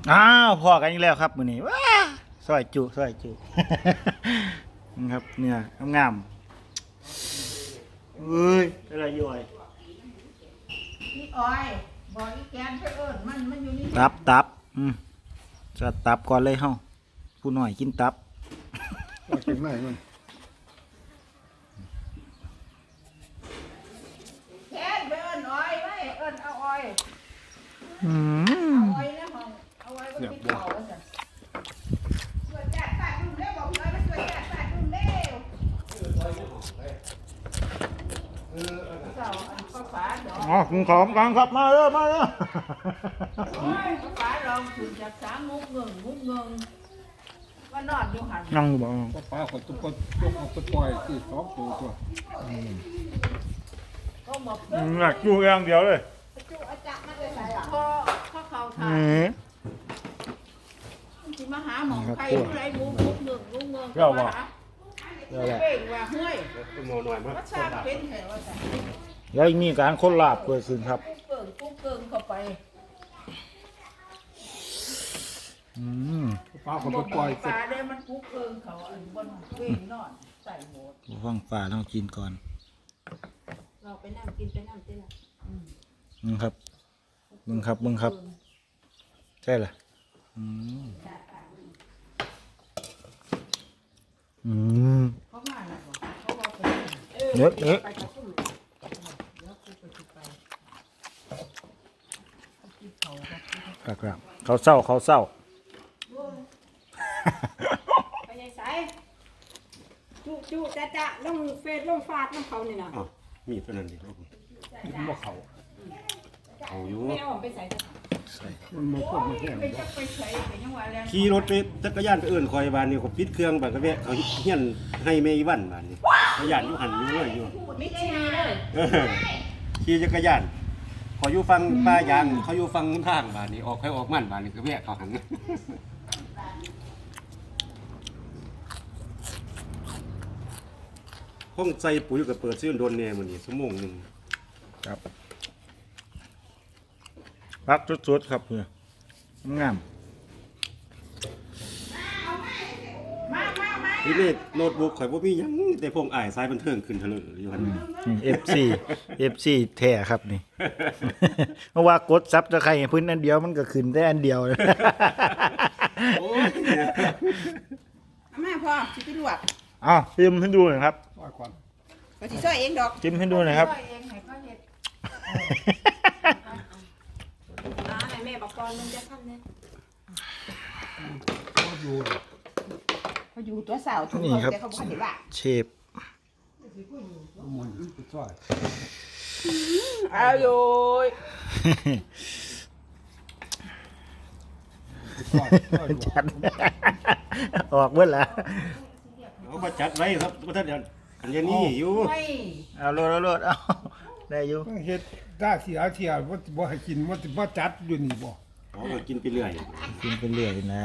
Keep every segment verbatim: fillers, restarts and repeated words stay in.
อ้าวพอกันอีกแล้วครับมื้อนี้ว้าซอยจุซอยจุนี่ครับเนี่ยงามๆเอ้ยอะไรอยู่ไอ้นี่อ้อยบอกอีแกนเพื่อเอิญมันมันอยู่นี่ตับตับอืมจะตับก่อนเลยเฮาผู้น้อยกินตับว่าเป็นไหนมันแกนเพื่อเอิญอ้อยไว้เอิญเอาอ้อยอืมเอาอ้อยในห้องเอาอ้อยก็ติดเข่าว่าจ้ะสวยจัดฟาดดุ้งเร็วบอกพี่อ้อยมาสวยจัดฟาดดุ้งเร็วเสาอันฟ้าฟ้าดอกอ๋อกินของกันครับมาเด้อมาเด้อโอ้ยฟ้าฟ้าลองถึงจากสามมุกเงิงมุกเงิงว่านอนอยู่หันนั่งอยู่บ่ก็ป้าคนตุ๊กคนตุ๊กเอาไปปล่อยที่สองตัวตัวก็บอกอืมอยากอยู่อย่างเดียวเลยจุอาจักมาเลยใส่พอพอเขาถ่าอืยมสิมาหาหมองใครผู้ใดมุกมุกเงิงมุกเงิงเดี๋ยวบอกมาหาเดี๋ยวแหละเป่งว่าเฮ้ยหมอหน่อยมั้ยวัชาเป็นเหรอวะจ้ะแล้วมีการคนลาบเกิดขึ้นครับกุ้งเกิงกุ้งเกิงเข้าไปอืมป้าคนไปปล่อยปลาได้มันกุ้งเกิงเขาอันบนเป่งนอนใส่หมดผู้ฟังฝ่าต้องกินก่อนเราไปนั่งกินไปนั่งกินละมึงครับมึงครับมึงครับใช่เหรออืมอืมเขามาหนักเขาบอกไปเนื้อเนื้อไปกระตุ้นแล้วกูไปจุดไปกินเขาครับครับเขาเศร้าเขาเศร้าไปยายสายจุจุจะจะลงเฟซลงฟาดน้ำเขานี่นะอ้าวมีเท่านั้นเองครับผมบ่เขาเอาอยู่ไม่เอาไปใส่จะมันมาพวกมันแห้งไปจักไปใส่ไปยังว่าแล้วขี่รถไปจักรยานไปเอื่นคอยบานนี่เขาปิดเครื่องบานก็แวะเขาเฮียนให้เมย์วันบานนี่จักรยานอยู่หันอยู่เลยอยู่ไม่ใช่เลยเออขี่จักรยานขออยู่ฟังป้ายางเขาอยู่ฟังทางบานนี่ออกไปออกมันบานนี่ก็แวะเขาหันห้องใส่ปุ๋ยกับเปิดซื้อโดนแน่มื้อนี้ชั่วโมงหนึงครับพักสุดๆครับเนี่ยงามมามามานี่นี่โน้ตบุ๊กข่อยบ่มีหยังแต่พงอ้ายสายบันเทิงขึ้นเถลิงอยู่หั่นเอฟซีเอฟซีแท้ครับนี่ เพราะว่ากดซับจะใครพื้นอันเดียวมันก็ขึ้นได้อันเดียวเลยโอ้ยเอามาพ่อสิไปลวกอ้าวจิ้มให้ดูหน่อยครับปล่อยก่อนก็สิช่วยเองดอกจิ้มให้ดูหน่อยครับช่วยเองให้เขาเฮ็ดอ่าไหนแม่บอกก่อนมึงจะทำเนี่ยก็อยู่เขาอยู่ตัวสาวทุกนี่คนครับแต่เขาบ่ได้ว่าเชฟมันไปช่วยเอาอยู่ช่วยช่วยจัด ออกเมื่อละเอามาจัดไว้ครับบ่ทันอันนี้อยู่ไม่เอาโลดเอาโลดเอาได้อยู่ต้องเฮ็ดได้เสียเสียว่าบ่ให้กินว่าบ่จัดอยู่นี่บ่อ๋อก็กินไปเรื่อยกินไปเรื่อยนะ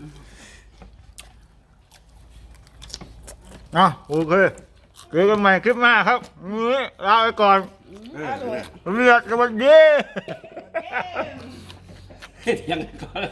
เนาะโอเคเจอกันใหม่คลิปหน้าครับนี้ลาไปก่อนเออเรียกกันวันดีเฮ็ดยังก่อน